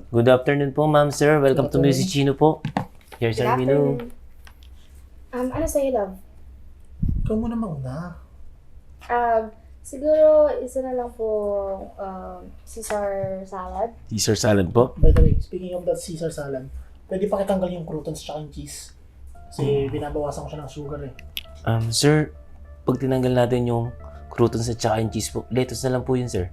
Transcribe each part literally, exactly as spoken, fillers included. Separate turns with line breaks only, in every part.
Good afternoon po, ma'am, sir. Welcome to
afternoon.
Music Chino po. Here's
Good
our menu.
afternoon. Um, ano sa'yo, love?
Ikaw muna mauna.
Um, siguro isa na lang po um, Caesar salad.
Caesar salad po.
By the way, speaking of that Caesar salad, pwede pa kitanggal yung croutons tsaka yung cheese. Kasi binabawasan ko siya ng sugar eh.
Um, sir, pag tinanggal natin yung croutons at saka yung cheese po, lettuce na lang po yun, sir.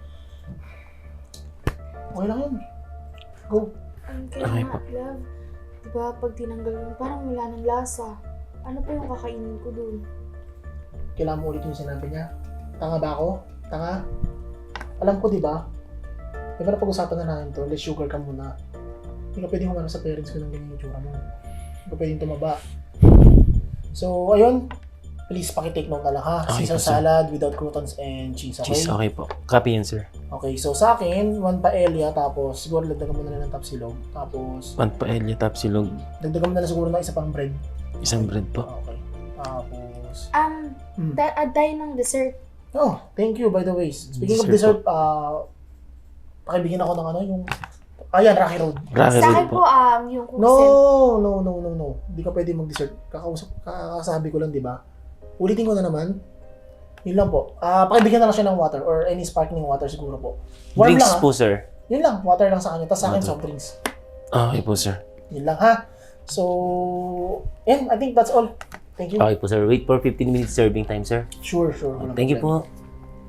Okay lang yun. Go.
Ang kaya
Okay
nga,
po.
love. Diba, pag tinanggal mo, parang wala ng lasa. Ano po yung kakainin ko dun?
Kailangan mo ulit yung sinabi niya. Tanga ba ako? Tanga? Alam ko, di ba? Di ba napag-usapan na natin to? Less sugar ka muna. Hindi ka pwedeng humano sa parents ko ng ganyan yung tsura mo. Hindi ka pwedeng tumaba. So, ayun. Please, pakitake note na lang ha.
Okay
Caesar
po, sir.
salad without croutons and cheese, okay?
Cheese, okay po. Copy yun, sir.
Okay, so sa akin, one paella, tapos siguro dagdagan mo na lang ng tapsilog. Tapos,
One paella, tapsilog,
dagdagan mo na lang siguro ng isa pang bread.
isang bread po.
Okay. Tapos,
Um,
hmm.
da- add tayo ng dessert.
Oh, thank you by the way. Speaking of
Dessert
dessert, ah, pakibigyan ako ng ano, yung, ayan, Rocky Road.
Rocky
Sa
Road
akin
po.
po, um, yung
No,
kuksel.
no, no, no, no. Hindi ka pwede mag-dessert. Kakausap, kakasabi ko lang, di ba? Ulitin ko na naman. Yun lang po. Ah, pakibigyan na lang siya ng water or any sparkling water siguro po. Warm
Drinks
lang,
po, sir.
Yun lang, water lang sa kanya. Tapos sa akin,
Water.
soft drinks.
Okay po, sir.
Yun lang ha. So, and I think that's all. Thank you.
Okay po, sir. Wait for fifteen minutes serving time, sir.
Sure, sure. walang
Thank you
problema.
po.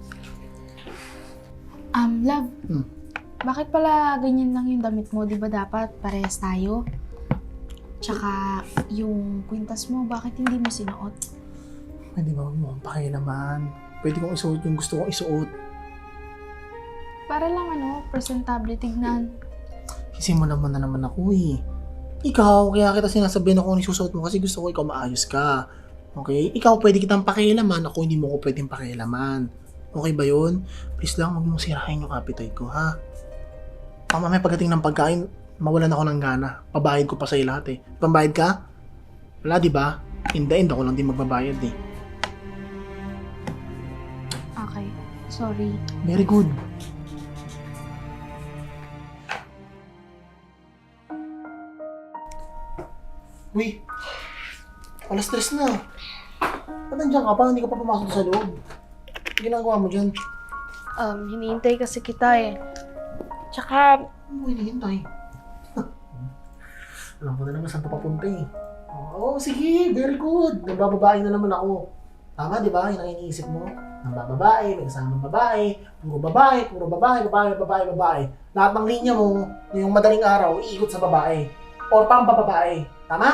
Um, love.
Hmm.
Bakit pala ganyan lang yung damit mo? Di ba dapat parehas tayo? Tsaka, yung kwintas mo, bakit hindi mo sinuot?
Pwede ba mo ang naman? Pwede kong isuot yung gusto kong isuot.
Para lang ano, presentable tignan.
Kasi mo naman na naman ako eh. Ikaw, kaya kita sinasabihin ako kung isusuot mo kasi gusto ko ikaw maayos ka. Okay? Ikaw pwede kitang pakialaman, ako hindi mo ko pwedeng pakialaman. Okay ba yun? Please lang, huwag mong sirahin yung appetite ko, ha? Baka mamaya pagdating ng pagkain, mawalan ako ng gana. Pabayad ko pa sa'yo lahat eh. Pambayad ka? Wala, di ba? In the end, ako lang din magbabayad eh.
Okay, sorry.
Very good. Uy, alas stress na. Ba't nandiyan ka pa? Hindi ka pa pumasok sa loob. Ano ginagawa mo dyan?
Um, hinihintay kasi kita eh. Tsaka,
Ano mo hinihintay? Alam ko na naman saan ka papunta eh. Oo, oh, sige, very good. Nagbababae na naman ako. Tama, di ba? Yun ang iniisip mo. Nagbababae, may kasamang babae, puro babae, puro babae, babae, babae, babae. Lahat ng linya mo, yung madaling araw, iikot sa babae. Or pampababae. Tama?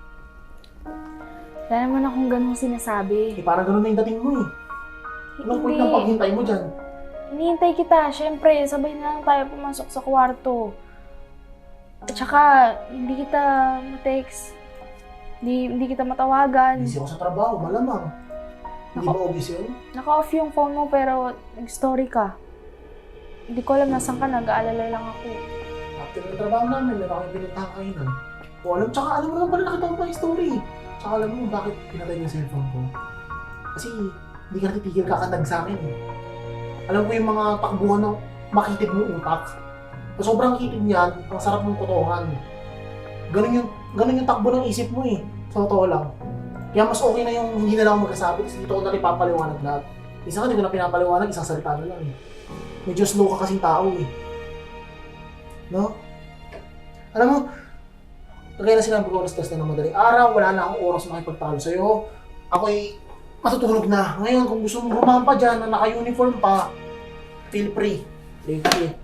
wala naman akong ganung sinasabi.
Eh, parang ganun na yung dating mo eh. Anong point ng paghintay mo dyan?
Hinihintay kita. Siyempre, sabay na lang tayo pumasok sa kwarto. At saka, hindi kita ma-text. Hindi, hindi kita matawagan.
Busy ako sa trabaho, malamang. Hindi ba obvious yun?
Naka-off yung phone mo pero nag-story ka. Hindi ko alam nasan ka, nag-aalala lang ako.
After ng trabaho namin, meron kami pinuntahan kainan. O alam, tsaka alam mo naman pala nakita ko pa yung story. Tsaka alam mo bakit pinatay yung cellphone ko. Kasi hindi ka natitigil kakandag sa akin eh. Alam ko yung mga takbuhan ng makitid mong utak. So, sobrang kitid niyan, ang sarap mong potohan. Ganun yung, ganun yung takbo ng isip mo eh. Sa totoo lang. Kaya mas okay na yung hindi na lang ako magkasabi kasi dito ko na rin papaliwanag lahat. Isa ka, hindi ko na pinapaliwanag, isang salita na lang eh. Medyo slow ka kasing tao eh. No? Alam mo, kaya na sinabi ko alas tres na ng madaling araw, wala na akong oras makipagtalo sa'yo. Ako'y matutulog na. Ngayon, kung gusto mong rumampa dyan na naka-uniform pa, feel free. Feel free.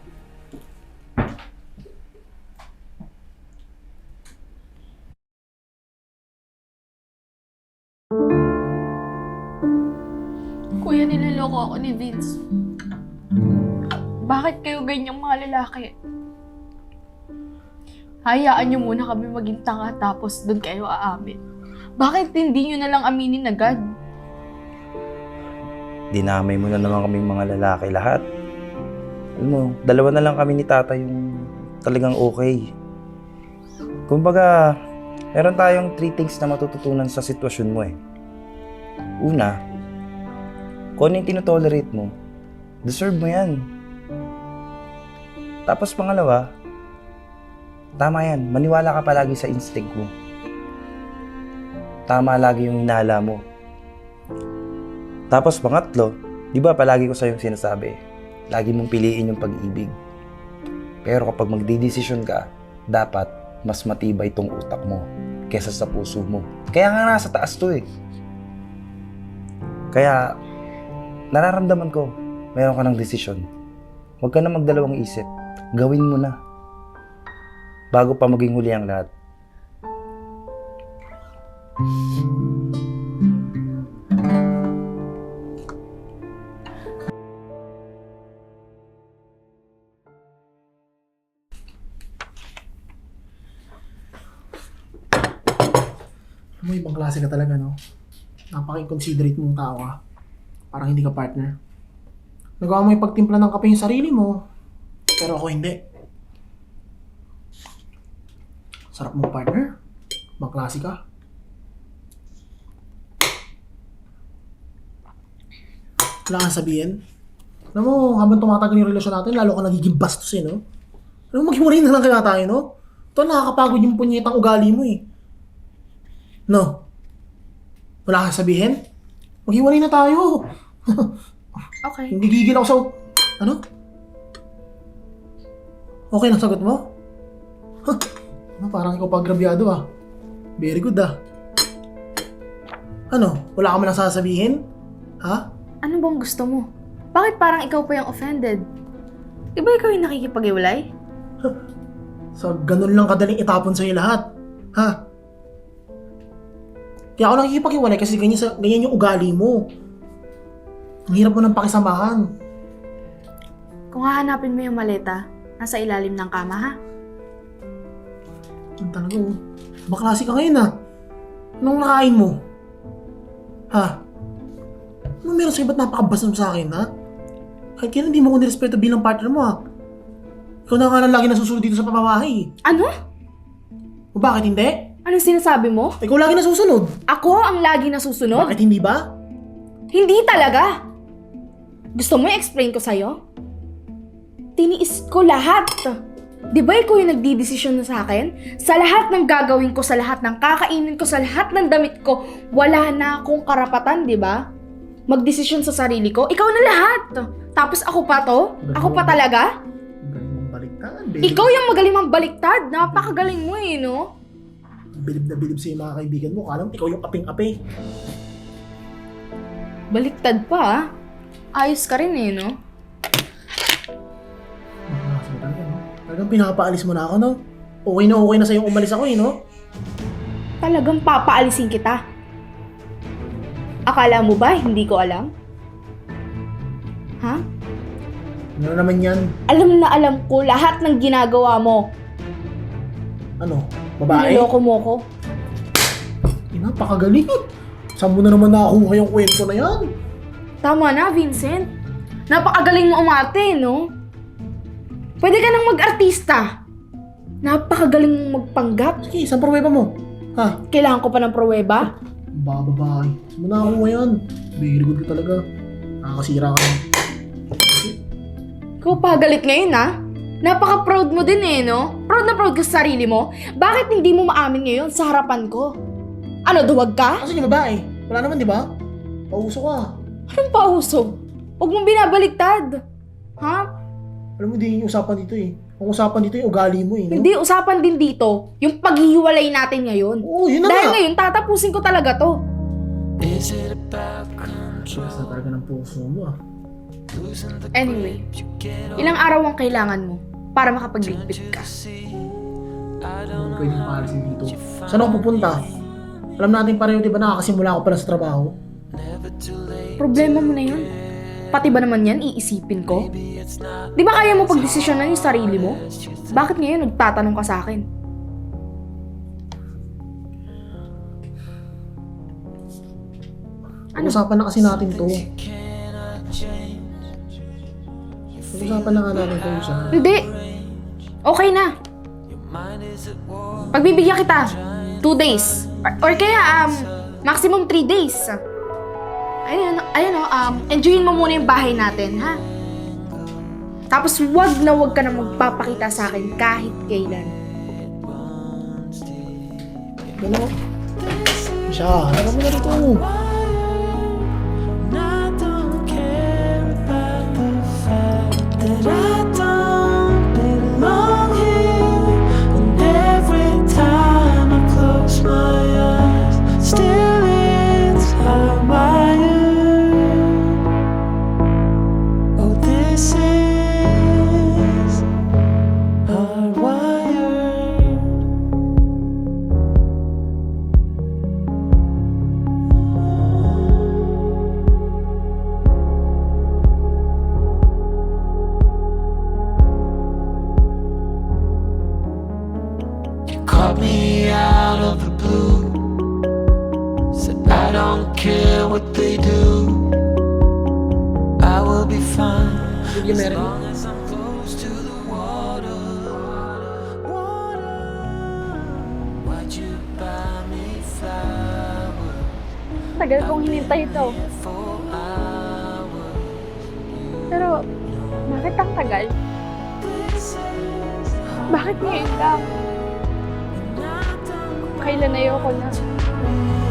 Kuya, niloloko ako ni Vince. Bakit kayo ganyang mga lalaki? Hayaan niyo muna kami maging tanga tapos doon kayo aamin. Bakit hindi niyo na lang aminin agad?
Dinamay mo na naman kaming mga lalaki lahat. Alam mo, dalawa na lang kami ni tata yung talagang okay. Kumbaga, meron tayong three things na matututunan sa sitwasyon mo eh. Una, kung ano yung tinotolerate mo, deserve mo yan. Tapos pangalawa, Tama yan. Maniwala ka palagi sa instinct mo. Tama lagi yung hinala mo. Tapos pangatlo, di ba palagi ko sa'yo sinasabi, lagi mong piliin yung pag-ibig. Pero kapag magdidesisyon ka, dapat mas matibay tong utak mo kesa sa puso mo. Kaya nga nasa taas to eh. Kaya, nararamdaman ko, meron ka ng desisyon. Huwag ka na magdalawang isip. Gawin mo na. Bago pa maging huli ang lahat.
Alam mo, ibang klase ka talaga, no? Napaka-inconsiderate mong tao ka. Parang hindi ka partner. Nagawa mo yung pagtimpla ng kape yung sarili mo. Pero ako hindi. Sarap mong partner. Ibang klase ka. Wala kang sabihin. Alam mo, habang tumatagal yung relasyon natin, lalo ka nagiging bastos eh, no? Alam mo, maghiwalay na lang kaya tayo, no? Ito, nakakapagod yung punyetang ugali mo eh. No? Wala kang sabihin? Maghiwalay na tayo.
Okay.
Hindi gigil ako sa... Ano? Okay na sagot mo? Huh? Ano, parang ikaw pagrabyado ah. Very good ah. Ano? Wala ka man sasabihin? Ha?
Ano bang gusto mo? Bakit parang ikaw pa yung offended? Iba ikaw yung nakikipag-iwalay?
Sa ganun lang kadaling itapon sa'yo lahat. Ha? Kaya ako nakikipag-iwalay kasi ganyan, sa, ganyan yung ugali mo. Ang hirap mo ng pakisamahan.
Kung hahanapin mo yung maleta, nasa ilalim ng kama ha?
Ang talaga oh. Baklase ka ngayon ah. Anong nakain mo? Ha? Ano meron sa'yo? Ba't napakabasam sa akin ha? Kahit kaya hindi mo ko nirespeto bilang partner mo ha? Ikaw na nga lang lagi nasusunod dito sa pamamahay.
Ano?
O bakit hindi?
Anong sinasabi mo?
Ikaw lagi nasusunod.
Ako ang lagi nasusunod?
Bakit hindi ba?
Hindi talaga! Gusto mo i-explain ko sa'yo? Tiniis ko lahat. Di ba ikaw yung nagdidesisyon na sa akin? Sa lahat ng gagawin ko, sa lahat ng kakainin ko, sa lahat ng damit ko, wala na akong karapatan, di ba? Magdesisyon sa sarili ko, ikaw na lahat. Tapos ako pa to? Ako pa talaga?
Galing mong baliktad. Bilib,
Ikaw yung magaling mang baliktad. Napakagaling mo eh, no?
bilib na bilib sa'yo mga kaibigan mo. Kalam, ikaw yung aping-ape.
Baliktad pa ah. Ayos ka rin eh, no?
Nakakasama talaga, no? Talagang pinapaalis mo na ako, no? Okay na okay na sa'yo umalis ako, eh, no?
Talagang papaalisin kita. Akala mo ba hindi ko alam? Ha?
Ano naman yan?
Alam na alam ko lahat ng ginagawa mo.
Ano? Babae?
Niloko mo ko.
Eh, napakagaling. Saan mo na naman nakakuha yung kwento na yan?
Tama na, Vincent. Napakagaling mo umarte, no? Pwede ka nang mag-artista. Napakagaling mong magpanggap.
Sige, saan pruweba mo? Ha?
Kailangan ko pa ng pruweba.
Baka babae. Saan mo nakakuha yan? Very good ka talaga. Nakakasira ka na.
Ikaw pa galit ngayon, ha? Napaka-proud mo din eh, no? Proud na proud ka sa sarili mo. Bakit hindi mo maamin ngayon sa harapan ko? Ano, duwag ka?
Kasi yung babae. Wala naman, di ba? Pauso ka.
Anong pausog? Huwag mong binabaliktad. Ha?
Alam mo, di yung usapan dito eh. Ang usapan dito yung ugali mo eh. No?
Hindi, usapan din dito yung paghihiwalay natin ngayon.
Oo, yun na
Dahil
nga.
ngayon, tatapusin ko talaga to.
Tigas na talaga ng puso mo ah.
Anyway, ilang araw ang kailangan mo para makapagligpit ka?
Hindi pwedeng paalisin dito. Saan ako pupunta? Alam natin pareho, di ba nakakasimula ako pa lang sa trabaho?
Problema mo na yun. Pati ba naman yan iisipin ko? Di ba kaya mo pagdesisyonan yung sarili mo? Bakit ngayon nagtatanong ka sa akin?
Ano? Usapan na kasi natin to. Usapan na nga natin to siya.
Hindi. Okay na. Pagbibigyan kita. Two days. Or, or kaya, um, maximum three days. Ayun, ayun o, um, enjoyin mo muna yung bahay natin, ha? Tapos wag na wag ka na magpapakita sa akin kahit kailan.
Ano? Siya, ano mo na rito?
And I don't care about the fact that I don't belong here. And every time I close my eyes, still it's hardwired. Oh, this is hardwired. Caught me out of the blue. Said I don't care what they do. I will be fine as long as I'm close to the water. Water. Why'd you buy me flowers
Tagal kong hinintay ito.
for hours?
Pero, bakit ang tagal?
This is
Bakit ngayon lang?
and I don't
Kailan ayoko na?